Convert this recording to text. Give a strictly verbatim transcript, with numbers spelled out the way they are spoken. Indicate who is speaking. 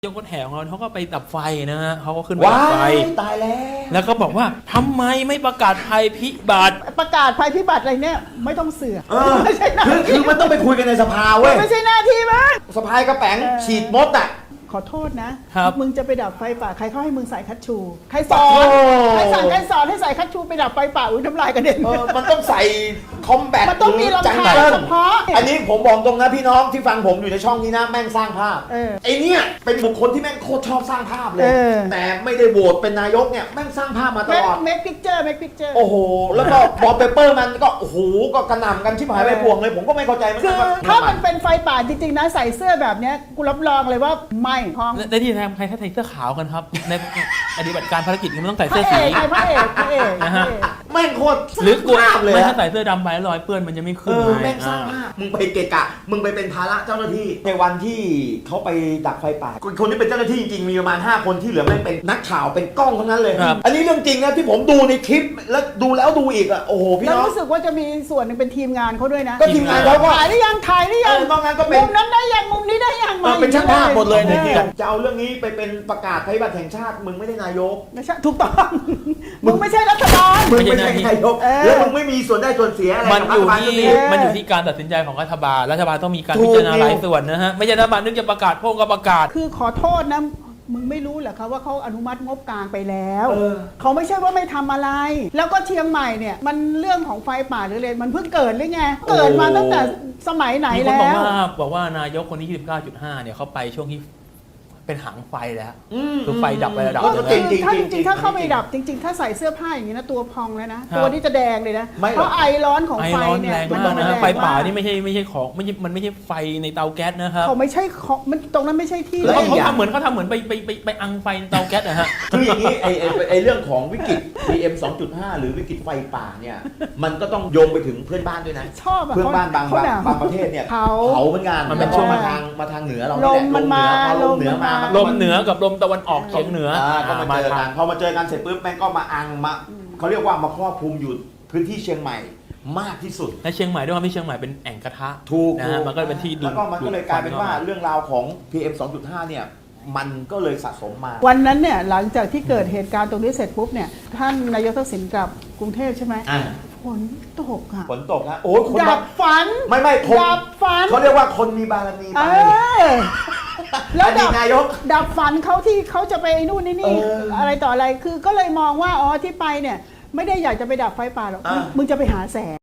Speaker 1: ยกรถแห่ของเราเขาก็ไปดับไฟนะฮะเขาก็ขึ้นไปดับไฟ
Speaker 2: ตายแล้ว
Speaker 1: แล้วก็บอกว่าทำไมไม่ประกาศภัยพิบัติ
Speaker 3: ประกาศภัยพิบัติอะไรเนี่ยไม่ต้องเสือก
Speaker 2: ไม่ใช่หน้าที่คือมันต้องไปคุยกันในสภาเว้ย
Speaker 3: ไม่ใช่หน้าที่มั้ง
Speaker 2: สภากระแป๋งฉีดมดอ่ะ
Speaker 3: ขอโทษนะครับมึงจะไปดับไฟป่าใครเขาให้มึงใส่คัตชูใครสอ
Speaker 2: น
Speaker 3: ใครสั่งใครสอนให้ใส่คัตชูไปดับไฟป่าอุ้ยน้ำลายกระเด็น
Speaker 2: มันต้องใส่คอมแบท
Speaker 3: มันต้องมีรองเท้าเฉพาะ
Speaker 2: อันนี้ผมบอกตรงนะพี่น้องที่ฟังผมอยู่ในช่องนี้นะแม่งสร้างภาพไอ้นี่เป็นบุคคลที่แม่งโคตรชอบสร้างภาพเลยแต่ไม่ได้โหวตเป็นนายกเนี่ยแม่งสร้างภาพมาตลอด
Speaker 3: เมคพิกเจอร์เมคพิกเจอร์
Speaker 2: โอ้โหแล้วก็วอลเปเปอร์มันก็โอ้โหก็กระหน่ำกันชิบหายไปพวงเลยผมก็ไม่เข้าใจมัน
Speaker 3: คือถ้ามันเป็นไฟป่าจริงๆนะใส่เสื้อแบบนี้กูรับรองเลยว่าไม่ท้อง
Speaker 1: ได้ที่แทนใครถ้าใส่เสื้อขาวกันครับในปฏิบัติการภารกิจมันต้องใส่เสื้อสี
Speaker 3: พระเอกพระเอก
Speaker 1: นะฮะ
Speaker 2: แม่งโคตร
Speaker 1: หรือกลัวไม่ถ้าใส่เสื้อดำไปรอยเปื้อนมันจะไม่ขึ้น
Speaker 2: แม่งสร้างภาพมึงไปเกะกะมึงไปเป็นภาระเจ้าหน้าที่ในวันที่เขาไปดับไฟป่าคนที่เป็นเจ้าหน้าที่จริงๆมีประมาณห้าคนที่เหลือแม่งเป็นนักข่าวเป็นกล้องทั้งนั้นเลยอันนี้เรื่องจริงนะที่ผมดูในคลิปแล้วดูแล้วดูอีกอ่ะโอ้โหพี่น้อง
Speaker 3: แล้วรู้สึกว่าจะมีส่วนหนึ่งเป็นทีมงานเขาด้วยนะ
Speaker 2: ก็ทีมงานเขาก็
Speaker 3: ถ่ายหรือยังถ่ายหรือยัง
Speaker 2: นอกนั้นก็เป็น
Speaker 3: มุมนั้นได้ยังมุมนี้ได้ยัง
Speaker 2: เป็นช่างภาพหมดเลยเนี่ยจะเอาเรื่องนี้ไปเป็นประกาศภัยพิบัติแห่งชาติมึงไม่ได้นายก
Speaker 3: ไม่ใช่ถูกต้องมึงไม่ใช่รัฐบาล
Speaker 2: มึงไม่ใช่นายกแล้วมึงไม่มีส่วนได้ส่วนเสียอะไร
Speaker 1: มันอยู่ที่มันอยู่ที่การตัดสินใจของรัฐบาลรัฐบาลต้องมีการพิจารณาหลายส่วนนะฮะไม่ใช่รัฐบาลนึกจะประกาศพวกก็ประกาศ
Speaker 3: คือขอโทษนะมึงไม่รู้เหรอคะว่าเขาอนุมัติงบกลางไปแล้วเขาไม่ใช่ว่าไม่ทำอะไรแล้วก็เชียงใหม่เนี่ยมันเรื่องของไฟป่าหรืออะไรมันเพิ่งเกิดหรือไงเกิดมาตั้งแต่สมัยไหนแล้ว
Speaker 1: มีคนบอกว่าบอกว่านายกคนที่ ยี่สิบเก้าจุดห้า เนี่ยเขาไปช่วงที่เป็นหางไฟแล้วคือไฟดับไประดับ
Speaker 3: จริงๆถ้าจริงๆถ้าเข้าไปดับจริงๆถ้าใส่เสื้อผ้าอย่างนี้นะตัวพองแล้วนะตัวนี้จะแดงเลยนะเพราะไอร้อนของไฟเนี่ย
Speaker 1: มันแรงมากนะไฟป่านี่ไม่ใช่ไม่ใช่ของไม่ใช่มันไม่ใช่ไฟในเตาแก๊สนะครับ
Speaker 3: เขาไม่ใช่ของมันตรงนั้นไม่ใช่ที่
Speaker 1: แล้วเขาทำเหมือนเขาทำเหมือนไปไปไปไปอังไฟในเตาแก๊สนะฮะ
Speaker 2: คืออย่างนี้ไอไอเรื่องของวิกฤต พี เอ็ม สองจุดห้า หรือวิกฤตไฟป่าเนี่ยมันก็ต้องโยงไปถึงเพื่อนบ้านด้วยนะ
Speaker 3: ชอบ
Speaker 2: เพื่อนบ้านบางบางประเทศเนี่ยเผาเหมือนกัน
Speaker 1: มันเป็นช่วง
Speaker 2: มาทางมาทางเหนือเรา
Speaker 3: ลมมันมา
Speaker 2: ลมเหนือมา
Speaker 1: ลมเหนือกับลมตะวันออกเฉียงเหนือ
Speaker 2: ก็มาเจอกันพอมาเจอกันเสร็จปุ๊บแม่งก็มาอังมาเขาเรียกว่ามาครอบคลุมอยู่พื้นที่เชียงใหม่มากที่สุด
Speaker 1: และเชียงใหม่ด้วยความที่เชียงใหม่เป็นแอ่งกระทะ
Speaker 2: ถูก
Speaker 1: นะฮะมันก็เป็นที่ดู
Speaker 2: แล้วก็มันก็เลยกลายเป็นว่าเรื่องราวของ พี เอ็ม สองจุดห้า เนี่ยมันก็เลยสะสมมา
Speaker 3: วันนั้นเนี่ยหลังจากที่เกิดเหตุการณ์ตรงนี้เสร็จปุ๊บเนี่ยท่านนายกทักษิณกลับกรุงเทพใช่ไหมฝนตกอ่ะ
Speaker 2: ฝนตกนะโอ้ยคน
Speaker 3: ดับฝัน
Speaker 2: ไม่ไม่
Speaker 3: ดับฝัน
Speaker 2: เขาเรียกว่าคนมีบารมีไป
Speaker 3: แล้วดับ
Speaker 2: นายก
Speaker 3: ดับฝันเขาที่เขาจะไปนู่นนี่นี่อะไรต่ออะไรคือก็เลยมองว่าอ๋อที่ไปเนี่ยไม่ได้อยากจะไปดับไฟป่าหรอกมึงจะไปหาแสง